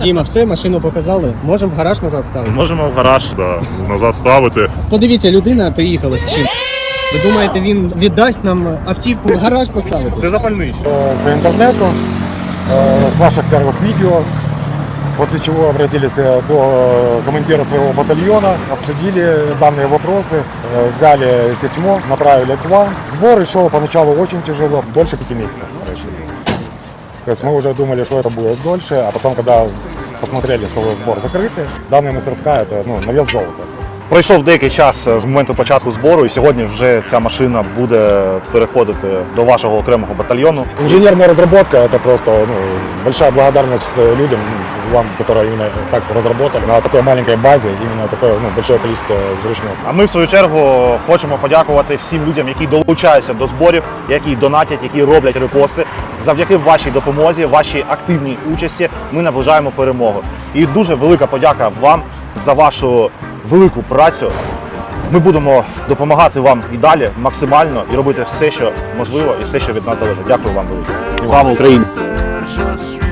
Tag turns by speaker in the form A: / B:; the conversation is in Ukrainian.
A: Діма, все, машину показали. Можемо в гараж назад ставити?
B: Можемо в гараж, да, назад ставити.
A: Подивіться, людина приїхала з чим. Ви думаєте, він віддасть нам автівку в гараж поставити?
B: Це запальний.
C: По интернету, с ваших первых видео, после чего обратились до командира своего батальона, обсудили данные вопросы, взяли письмо, направили к вам. Сбор шел поначалу очень тяжело, больше 5 месяцев. То есть мы уже думали, что это будет дольше, а потом, когда посмотрели, что сбор закрытый, данная мастерская – это на вес золота.
D: Пройшов деякий час з моменту початку збору, і сьогодні вже ця машина буде переходити до вашого окремого батальйону.
C: Инженерная разработка – это просто большая благодарность людям, вам, которые именно так разработали на такой маленькой базе, именно такое большое количество вручную.
D: А ми, в свою чергу, хочемо подякувати всім людям, які долучаються до зборів, які донатять, які роблять репости. Завдяки вашій допомозі, вашій активній участі ми наближаємо перемогу. І дуже велика подяка вам за вашу велику працю. Ми будемо допомагати вам і далі максимально і робити все, що можливо, і все, що від нас залежить. Дякую вам велике. Слава Україні!